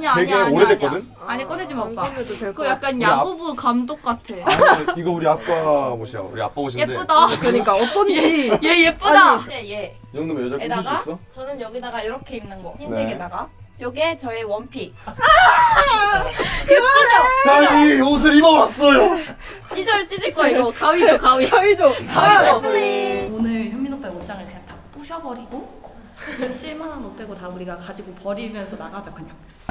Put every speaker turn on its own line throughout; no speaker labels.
아니야
되게
아니야
오래됐거든?
아니 꺼내지 마 오빠.
꺼내도 될것
그거 약간
우리
야구부 감독 같아.
아니 이거 우리 아빠 옷이야. 우리 아빠 옷인데.
예쁘다.
그러니까 어떤지.
얘 예쁘다. 얘.
이 정도면 여자 꾸실 수
에다가
있어?
저는 여기다가 이렇게 입는 거.
네.
흰색에다가. 요게 저의 원픽.
나 이 옷을 입어봤어요.
찢을 거 이거 가위죠 가위.
가위죠.
오늘 현민 오빠의 옷장을 그냥 다 부셔버리고 쓸만한 옷 빼고 다 우리가 가지고 버리면서 나가자 그냥.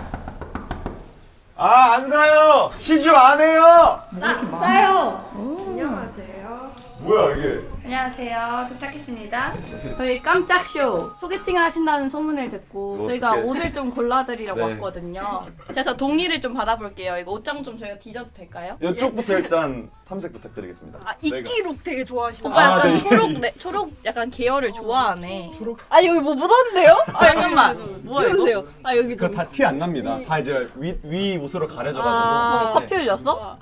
아, 안 사요. 시주 안 해요.
싸요.
안녕하세요.
뭐야 이게?
안녕하세요. 도착했습니다. 저희 깜짝 쇼 소개팅을 하신다는 소문을 듣고
이거
저희가
어떡해.
옷을 좀 골라드리려고
네.
왔거든요. 그래서 동의를 좀 받아볼게요. 이거 옷장 좀 저희가 뒤져도 될까요?
이쪽부터 일단 탐색 부탁드리겠습니다.
아 이끼 룩 되게 좋아하시나
오빠
봐요.
약간
네.
초록 약간 계열을 좋아하네.
아 여기 뭐 묻었는데요? 아
잠깐만. 뭐야 이거?
보세요. 아 여기
그거
좀.
다 티 안 납니다. 다 이제 위 옷으로 가려져가지고.
아.
커피 흘렸어?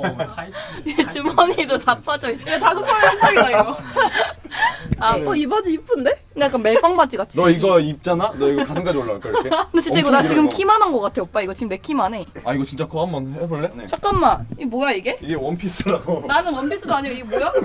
주머니도 다 퍼져 있어.
이거 다급한 현장이다 이거.
아,
이 바지 이쁜데?
근데 약간 멜빵 바지 같이.
너 이거 입잖아? 너 이거 가슴까지 올라올까 이렇게?
근데 진짜 이거
엄청
나
길어,
지금
이거.
키만한 거 같아 오빠. 이거 지금 내 키만 해.
아 이거 진짜 그거 한번 해볼래? 네.
잠깐만. 이게 뭐야 이게?
이게 원피스라고.
나는 원피스도 아니고 이게 뭐야?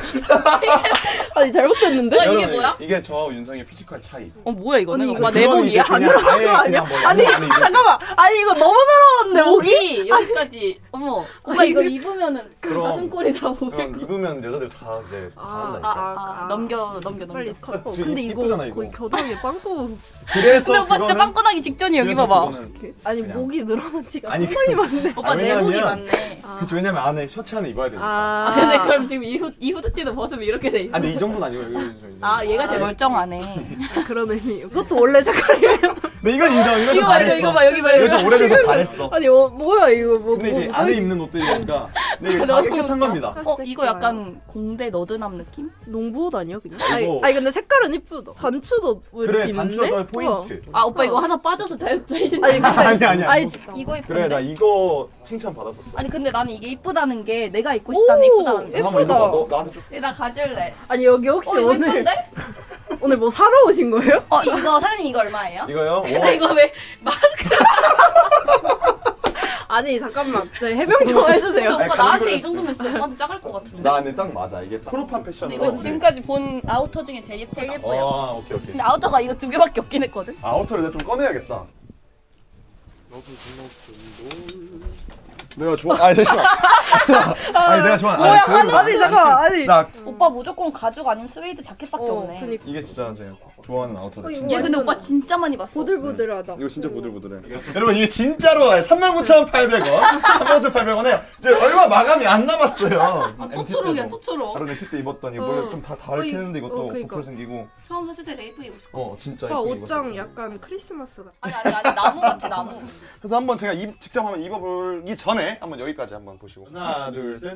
아니 잘못됐는데?
이게
여러분,
뭐야?
이게 저 윤성의 피지컬 차이.
어 뭐야 이거는?
아니,
오빠
아니, 그건 이제
내복이야?
그냥 아예 그냥 뭐
아니
안에 입을
잠깐만. 아니 이거 너무 늘어났는데 목이.
목이 여기까지. 어머. 오빠 이거 입으면은
그럼.
가슴골이 다 보일
그럼
거.
입으면 여자들 다 이제 다 한다니까.
넘겨.
빨리 컷.
지금
근데 이거
이쁘잖아, 이거.
거의 겨드랑이 빵꾸.
그래서
근데 오빠 진짜
그거는-
빵꾸나기 직전이야 여기
그래서
봐봐.
그거는
아니
그냥.
목이 늘어난 지가
아니,
상당히 많네.
오빠
왜냐면-
내복이 많네.
그치 왜냐면 안에 셔츠 안에 입어야 되니까.
아 근데 그럼 지금 이 후드티도 벗으면 이렇게 돼 있어.
근데 이 정도는 아니고 여기 좀 있는데.
아 얘가 제일 멀쩡하네.
그런 의미. 이것도 원래 색깔이에요.
근데 이건 인정. 이건 좀
이거 봐
바랬어.
이거 봐 여기 봐
이거
여기
좀
봐.
오래돼서 바랬어.
아니 뭐야 이거 뭐.
근데 이제
뭐
안에 입는 옷들이니까 근데 이게 다
너무
깨끗한
웃겨.
겁니다.
이거 약간 공대 너드남 느낌?
농부옷 아니야 그냥?
이거-
아니 근데 색깔은 이쁘다. 단추도 왜
그래
이렇게
단추가
있네?
더 포인트.
아 오빠 이거 하나 빠져서 대신.
아니 근데
아니.
아니
이거 예쁜데?
그래 나 이거 칭찬 받았었어.
아니 근데 나는 이게 이쁘다는 게 내가 입고 싶다는 이쁘다는 게.
예쁘다.
한번 입어봐. 너 나한테 좀.
나 가질래.
아니 여기 혹시
이거
오늘
이쁜데?
오늘 뭐 사러 오신 거예요?
이거 사장님 이거 얼마예요?
이거요?
근데 이거 왜
아니 잠깐만 네, 해명 좀 해주세요.
근데 오빠
아니,
나한테
감귤을
이 정도면 진짜 오빠한테 작을 것 같은데?
나 근데 딱 맞아. 이게 코르판
근데
패션으로.
이거 지금까지 본 아우터 중에 제일 예쁘다.
오케이.
근데 아우터가 이거 두 개밖에 없긴 했거든?
아우터를 내가 좀 꺼내야겠다. 내가 좋아. 아니 잠시만. 아니 내가 좋아.
뭐야,
아니 잠깐 아니.
나
오빠 무조건 가죽 아니면 스웨이드 자켓밖에 없네.
그니까
이게 진짜 제가 좋아하는 아우터다.
이거
진짜.
얘 근데 오빠 진짜 많이 봤어.
보들보들하다.
이거 진짜 보들보들해. 여러분 이게 진짜로 39,800원, 39,800원에 이제 얼마 마감이 안 남았어요.
아, 또
MT
초록이야,
때도.
또 초록.
다른 MT 때 입었더니 원래 좀 다 닳겠는데 이것도
그러니까.
보풀 생기고.
처음 샀을 때 레이프 입었어.
진짜
오빠
예쁘게
옷장
입었어요.
약간 크리스마스 같아.
아니 나무 같아 나무.
그래서 한번 제가 직접 한번 입어보기 전에 한번 여기까지 한번 보시고 하나 둘 셋.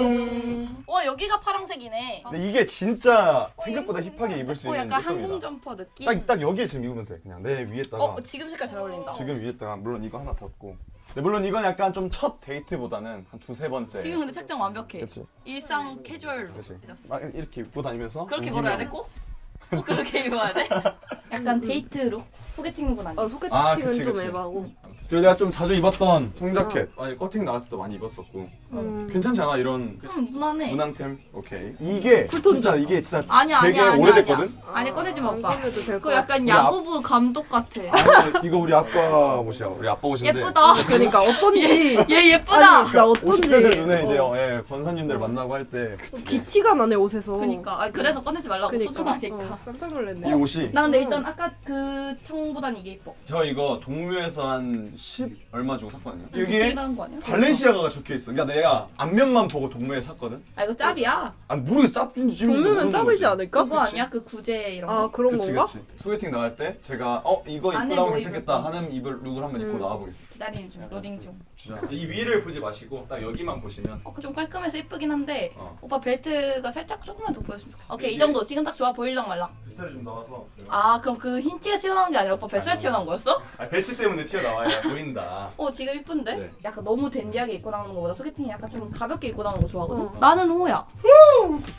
와 여기가 파란색이네.
근데 이게 진짜 생각보다 힙하게 입을 수 있는
약간 항공
예쁩니다.
점퍼 느낌.
딱 여기에 지금 입으면 돼. 그냥 내 위에다가
지금 색깔 잘 어울린다.
지금 위에다가 물론 이거 하나 벗고. 근데 물론 이건 약간 좀 첫 데이트보다는 한 두세 번째.
지금 근데 착장 완벽해.
그렇지.
일상 캐주얼로.
그렇지. 막 이렇게 입고 다니면서
그렇게
옮기면-
걸어야 돼 꼭? 꼭 그렇게 입어야 돼? 약간 데이트 룩? 소개팅 룩은 아니야.
소개팅은
그치,
좀
그치.
에바고.
그리고 내가 좀 자주 입었던 청자켓. 아니 커팅 나왔을 때 많이 입었었고.
음.
괜찮지 않아 이런
무난해.
무난템? 오케이. 이게 진짜 이게 진짜
아니야
되게
아니야 아니야.
오래됐거든?
아니 꺼내지 마
안
오빠.
꺼내도 될것
그거 약간
우리
야구부 감독 같아.
아니, 이거 우리 아빠 옷이야. 우리 아빠 옷인데.
예쁘다.
그러니까 어떤지.
얘 예쁘다.
아니, 진짜 어떤지.
50대들 눈에 이제 권사님들 만나고 할 때 이
기티가 나네 옷에서.
그러니까 그래서 꺼내지 말라고 소중하니까.
깜짝 놀랐네.
옷이
나 근데 일단 아까 그 청보단 이게 예뻐.
저 이거 동묘에서 한 10 얼마 주고 샀거든요.
되게
여기에
나은 거 아니야?
발렌시아가가 적혀 있어. 그러니까 내가 앞면만 보고 동묘에 샀거든.
아 이거 짭이야.
아니 모르겠어. 짭인지 찜인지
동료면
모르는
짭이지
거지.
않을까?
그거 아니야? 그 구제 이런 거.
아 그런
그치
건가?
그치. 소개팅 나갈 때 제가 이거
안에
입고 나오면
뭐
괜찮겠다
입을까?
하는 룩을 한번 입고 나와보겠습니다.
기다리는 중, 로딩 중.
이 위를 보지 마시고 딱 여기만 보시면
좀 깔끔해서 예쁘긴 한데
어.
오빠 벨트가 살짝 조금만 더 보였으면 좋겠어. 오케이 이 정도 지금 딱 좋아 보일랑 말랑.
뱃살이 좀 나와서
아 그럼 그 흰 티가 튀어나온 게 아니라 오빠 뱃살 튀어나온 거였어?
벨트 때문에 튀어나와야 보인다.
지금 이쁜데?
네.
약간 너무 댄디하게 입고 나오는 거보다 소개팅이 약간 좀 가볍게 입고 나오는 거 좋아하거든?
어.
나는 호야.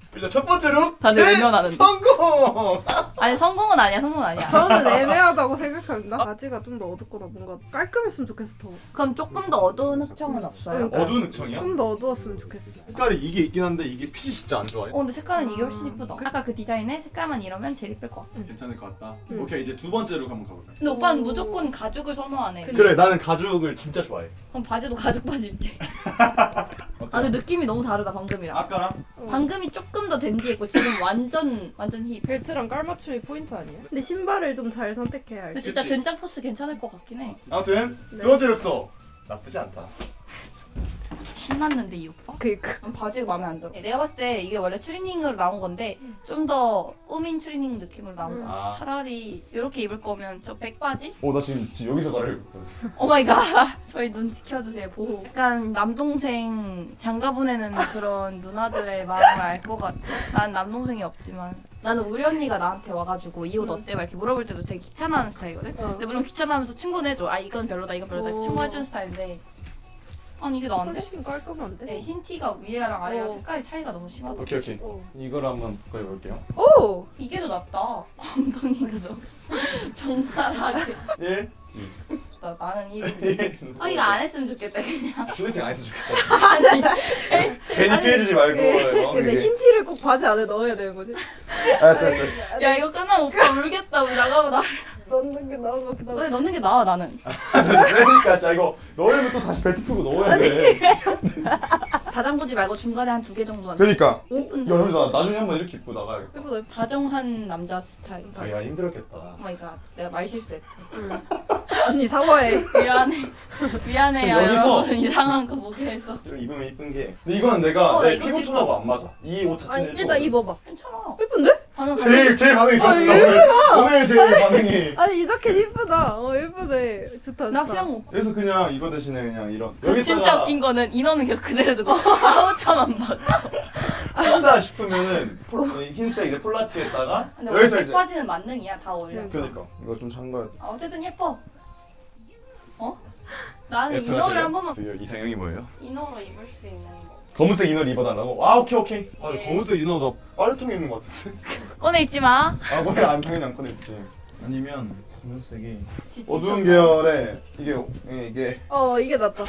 일단 첫 번째 룩
다들 외면하는데.
성공.
아니 성공은 아니야. 성공은 아니야.
저는 애매하다고 생각합니다. 바지가 좀 더 어둡거나 뭔가 깔끔했으면 좋겠어. 더.
그럼 조금 더 어두운 흑청은 없어요?
어두운 흑청이야?
좀 더 어두웠으면 좋겠어.
색깔이 이게 있긴 한데 이게 핏이 진짜 안 좋아요.
근데 색깔은 이게 훨씬 이쁘다. 아까 그 디자인에 색깔만 이러면 제일 이쁠 것 같아.
괜찮을 것 같다.
응.
오케이 이제 두 번째 룩 한번 가볼까요?
근데 오빠는 무조건 가죽을 선호하네.
그래 나는 가죽을 진짜 좋아해.
그럼 바지도 가죽 바지 입지. 아 근데 느낌이 너무 다르다 방금이랑.
아까랑
방금이 조금 더 댄디해 있고 지금 완전 힙.
벨트랑 깔맞춤이 포인트 아니에요? 근데 신발을 좀 잘 선택해야 할
근데
듯.
진짜
그치.
된장 포스 괜찮을 것 같긴 해.
아무튼
네.
두 번째 룩도 나쁘지 않다.
신났는데 이 오빠?
그니까.
바지가 마음에 안 들어. 내가 봤을 때 이게 원래 추리닝으로 나온 건데 좀 더 꾸민 추리닝 느낌으로 나온 거야.
아.
차라리 이렇게 입을 거면 저 백바지?
나 지금 여기서 말을 못했어.
오마이갓. 저희 눈 지켜주세요. 보호. 약간 남동생 장가 보내는 그런 누나들의 마음을 알 것 같아. 난 남동생이 없지만. 나는 우리 언니가 나한테 와가지고 이 옷 어때? 막 이렇게 물어볼 때도 되게 귀찮아하는 스타일이거든? 근데 물론 귀찮아하면서 충고는 해줘. 아 이건 별로다 이건 별로다
오.
충고해주는 스타일인데 아니 이게 나은데?
훨씬 깔끔한데?
네, 흰 티가 위에랑 아래랑
오.
색깔 차이가 너무 심하다.
오케이.
오.
이걸 한번 가까이 볼게요.
오!
이게 더 낫다. 엉덩이가 너무 정갈하게.
1,
나는 이.
2.
아 이거 안 했으면 좋겠다 그냥.
소개팅 안 했으면 좋겠다.
아니.
괜히 피해주지 말고.
근데 흰 티를 꼭 바지 안에 넣어야 되는 거지?
알았어.
야 이거 끝나면 오빠 울겠다. 우리 나가보다.
넣는 게 나은 것 같기도 하고.
왜 넣는 게 나아 나는.
그러니까 자 이거 넣으려면 또 다시 벨트 풀고 넣어야 돼.
다 잠그지 말고 중간에 한 2개 정도만.
그러니까.
예쁜데.
야, 나 나중에 한번 이렇게 입고 나가야겠다.
예쁘다.
다정한 남자 스타일.
자기가 힘들었겠다.
오마이갓. 내가 말 실수했어.
언니 사과해.
미안해. 미안해요.
그럼 여기서-
여러분 이상한 거 보게 해서.
좀 입으면 이쁜 게. 근데 이거는 내가
나
내
이거
피부
입어.
톤하고 안 맞아. 이 옷
아니
자체는
일단 입어봐.
괜찮아.
예쁜데?
방금
제일 반응이 좋았습니다. 오늘 제일 반응이.
아니 이 자켓 예쁘다. 예쁘네. 좋다.
낚시한 거.
그래서 그냥 이거 대신에 그냥 이런.
그 진짜 웃긴 거는 인원은 계속 그대로 두고 아우차만 막.
찐다 싶으면은 흰색 이제 폴라티에다가
근데 원래
여기서 이제.
백바지는 만능이야 다 어울려.
그러니까 이거 좀 잠가야 돼.
아, 어쨌든 예뻐. 어? 나는
들어가실래요?
이너를 한 번만
저 이상형이 뭐예요?
이너로 입을 수 있는 거.
검은색 이너를 입어달라고? 아 오케이. 아
예.
검은색 이너 나 빨래통에 있는 것 같은데.
꺼내 입지 마.
아 뭐야 안 당연히 안 꺼냈지. 아니면 검은색이
지치셨나?
어두운 계열의 이게
이게 낫다.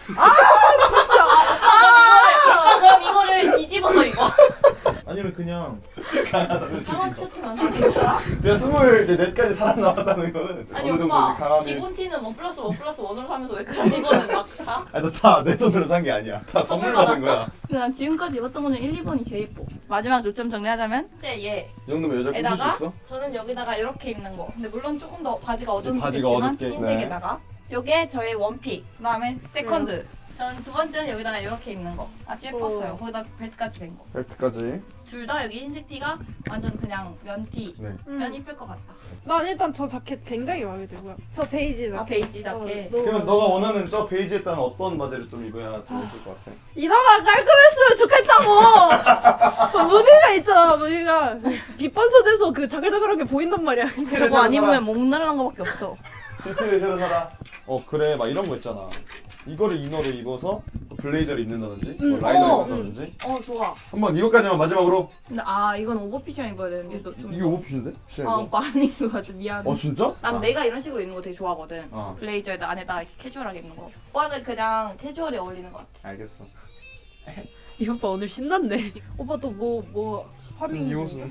아, 그럼 이거를 뒤집어서 입어.
아니면 그냥
상한 티셔츠만 사귀잖아.
내가 24까지 살아남았다는 거는
아니
어느 정도
오빠
이제 강함이.
기본 티는 1 플러스 1 플러스 1으로 사면서 왜 그런 이거는 막 사?
나다내 돈으로 산 게 아니야. 다 선물 받은 거야.
근데 난 지금까지 입었던 거는 1, 2번이 제일 예뻐. 마지막 요점 정리하자면 이제 얘
이 정도면 여자 꾸실 수
에다가
있어?
저는 여기다가 이렇게 입는 거. 근데 물론 조금 더 바지가 어두운
바지가
겠지만
어둡게,
흰색에다가 요게 저의 원픽. 그다음에 세컨드. 저는 두 번째는 여기다가 이렇게 입는 거. 아주 예뻤어요.
오.
거기다 벨트까지 댄 거.
벨트까지.
둘 다 여기 흰색 티가 완전 그냥 면티.
네.
면 이쁠 것 같다.
난 일단 저 자켓 굉장히 마음에 들고요. 저 베이지 자켓.
아 베이지 자켓.
그러면 너가 원하는 저 베이지에 따른 어떤 바지를 좀 입어야 좀 예쁠 것 같아?
이나가 깔끔했으면 좋겠다고. 무늬가 있잖아. 무늬가 빛반사돼서 그 자글자글하게 보인단 말이야.
저거 안 입으면 목 날아간 거밖에 없어.
히트를 새로 사라. 그래 막 이런 거 있잖아. 이거를 이너로 입어서 블레이저를 입는다든지 뭐 라이저를 입는다든지.
좋아.
한번 이것까지만 마지막으로.
근데 이건 오버핏이랑 입어야 되는데 너 좀.
이게 오프신데?
오빠 안 입는 거 같아. 미안해.
진짜?
난 내가 이런 식으로 입는 거 되게 좋아하거든.
어.
블레이저에다 안에다 이렇게 캐주얼하게 입는 거. 오빠는 그냥 캐주얼에 어울리는 것 같아.
알겠어.
이 오빠 오늘 신났네. 오빠 또 뭐 활용.
이 옷은.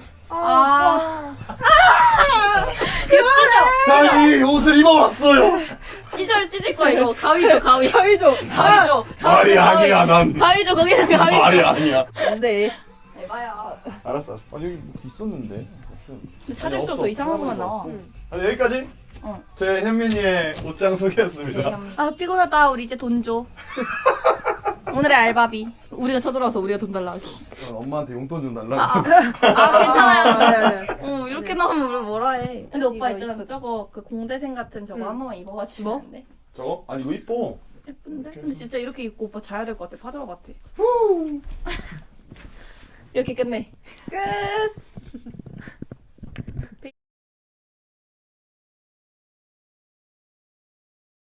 이거
난 이 옷을 입어봤어요.
찢을 거야 이거. 가위죠 가위.
가위죠.
가위죠.
말이 아니야 난.
가위죠 거기는 가위죠.
말이 아니야.
안돼.
에바야.
알았어. 여기 뭐 있었는데.
근데 찾을수록 더 이상한 것만 나와.
여기까지.
응.
제 현민이의 옷장 소개였습니다.
피곤하다. 우리 이제 돈 줘. 오늘의 알바비. 우리가 쳐들어와서 우리가 돈 달라 하기.
엄마한테 용돈 좀 달라고.
괜찮아요. 이렇게 나오면 우리 뭐라 해. 근데 오빠
이거
있잖아.
이쁘다.
저거 그 공대생 같은 저거 한 번만 입어가지고.
뭐?
안 돼?
저거? 아니 이거 이뻐.
예쁜데? 근데 진짜 이렇게 입고 오빠 자야 될 것 같아. 파도라 같아. 이렇게 끝내.
끝.